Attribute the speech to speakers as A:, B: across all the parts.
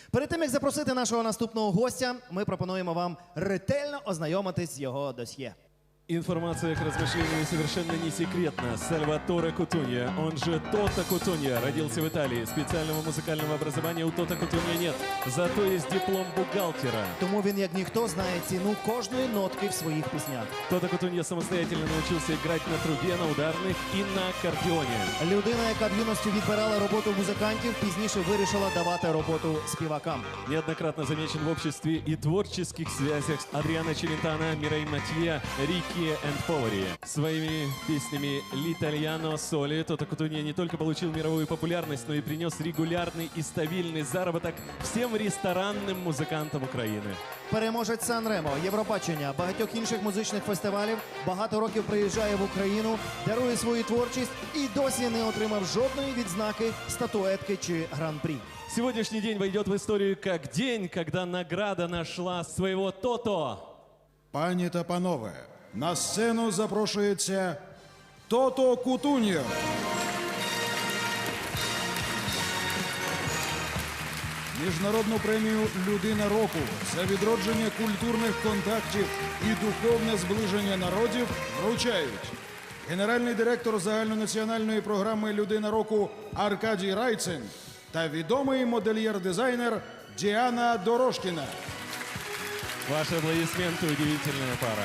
A: Перед тим, як запросити нашого наступного гостя, ми пропонуємо вам ретельно ознайомитись з його досьє.
B: Информация к размышлению совершенно не секретна. Сальваторе Кутунья, он же Тото Кутунья, родился в Италии. Специального музыкального образования у Тото Кутунья нет. Зато есть диплом бухгалтера.
A: Тому він, як ніхто, знає ціну кожної нотки в своїх піснях.
B: Тото Кутунья самостоятельно научился играть на трубе, на ударных и на аккордеоне.
A: Людина, яка в юності відбирала роботу музикантів, пізніше вирішила давати роботу співакам.
B: Неоднократно замечен в обществе и творческих связях с Адриано Челентано, Мирей Матье, Рикки энд Повари. Своими песнями «L'Italiano Soli» Тото Кутунья не только получил мировую популярность, но и принес регулярный и стабильный заработок всем ресторанным музыкантам Украины.
A: Переможець Сан-Ремо, Євробачення, багатьох інших музичних фестивалів, багато років приїжджає в Україну, дарує свою творчість і досі не отримав жодної відзнаки, статуетки чи гран-прі.
B: Сегодняшний день войдет в историю как день, когда награда нашла своего Тото.
C: Пані та панове, на сцену запрошується Тото Кутунья. Міжнародну премію «Людина року» за відродження культурних контактів і духовне зближення народів вручають генеральний директор загальнонаціональної програми «Людина року» Аркадій Райцин та відомий модельєр-дизайнер Діана Дорошкіна.
B: Ваши аплодисменты, удивительная пара.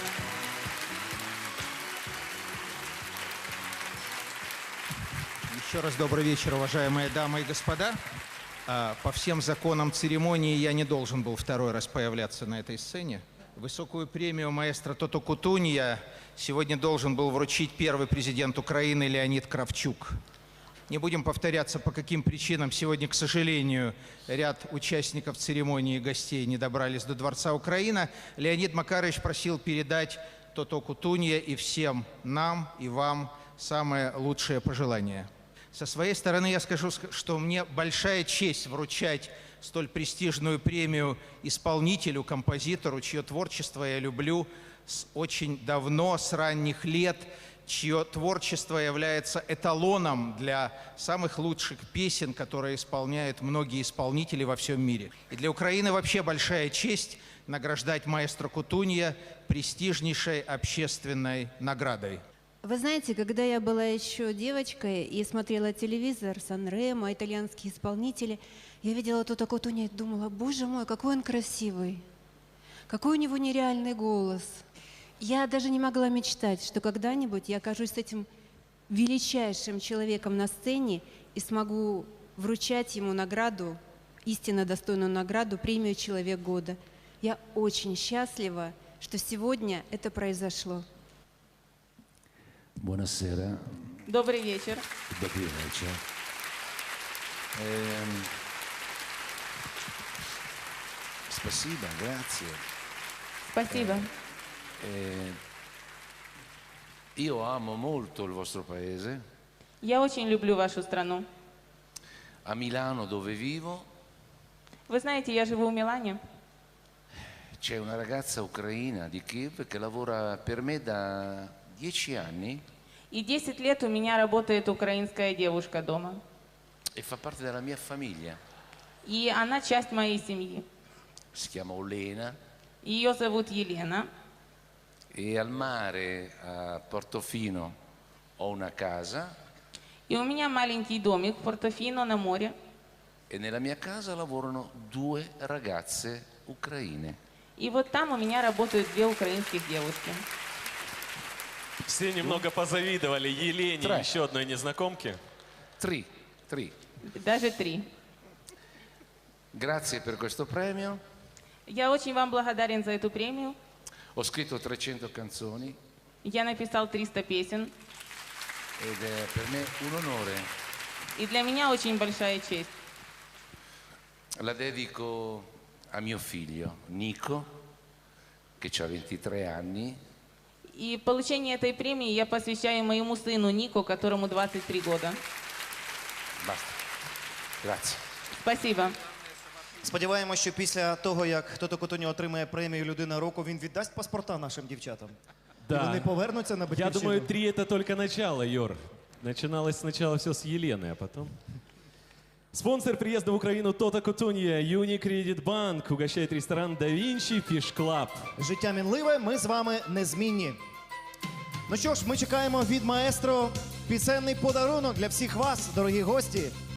D: Еще раз добрый вечер, уважаемые дамы и господа. По всем законам церемонии я не должен был второй раз появляться на этой сцене. Высокую премию маэстро Тото Кутунья сегодня должен был вручить первый президент Украины Леонид Кравчук. Не будем повторяться, по каким причинам сегодня, к сожалению, ряд участников церемонии и гостей не добрались до Дворца Украина. Леонид Макарович просил передать Тото Кутунья и всем нам и вам самые лучшие пожелания. Со своей стороны я скажу, что мне большая честь вручать столь престижную премию исполнителю, композитору, чье творчество я люблю очень давно, с ранних лет, чье творчество является эталоном для самых лучших песен, которые исполняют многие исполнители во всем мире. И для Украины вообще большая честь награждать маэстро Кутунья престижнейшей общественной наградой.
E: Вы знаете, когда я была еще девочкой и смотрела телевизор, Сан-Ремо, итальянские исполнители, я видела Тото Кутунья и думала, боже мой, какой он красивый, какой у него нереальный голос. Я даже не могла мечтать, что когда-нибудь я окажусь с этим величайшим человеком на сцене и смогу вручать ему награду, истинно достойную награду, премию «Человек года». Я очень счастлива, что сегодня это произошло.
F: Buonasera.
E: Добрый вечер.
F: Добрый вечер. Спасибо, grazie.
E: Спасибо.
F: Io amo molto il vostro paese.
E: Я очень люблю вашу страну.
F: A Milano, dove vivo,
E: Вы знаете, я живу в Милане.
F: c'è una ragazza ucraina di Kiev che lavora per me da 10 anni
E: И 10 лет у меня работает украинская девушка дома.
F: e fa parte della mia famiglia.
E: И она часть моей семьи.
F: Si chiama Olena
E: Ее зовут Елена.
F: e al mare a Portofino ho una casa
E: И у меня маленький домик в Портофино на море.
F: e nella mia casa lavorano 2 ragazze ucraine.
E: И вот там у меня работают 2 украинских девушки.
B: Все немного позавидовали Елене,
F: Трэш.
B: еще одной незнакомке.
F: Tri.
E: Даже 3.
F: Grazie per questo premio.
E: Я очень вам благодарен за эту премию.
F: Ho scritto 300 canzoni
E: Я написал 300 песен.
F: ed è per me un onore.
E: И для меня очень большая честь.
F: La dedico a mio figlio Nico, che ha 23 anni,
E: И получение этой премии я посвящаю моему сыну Нику, которому 23 года.
F: basta. Grazie.
E: Спасибо.
A: Сподіваємося, що після того, як Тото Кутунья отримає премію «Людина року», він віддасть паспорта нашим дівчатам. І вони повернуться на
B: Я
A: батьківщину.
B: думаю, 3 это только начало, Юр. Начиналось сначала все с Елены, а потом... Спонсор приезда в Украину Тота Кутунья, Unicredit Bank угощает ресторан Да Винчи Fish Club.
A: Життя мінливе, ми з вами незмінні. Ну що ж, ми чекаємо від маестро пісенний подарунок для всіх вас, дорогі гості.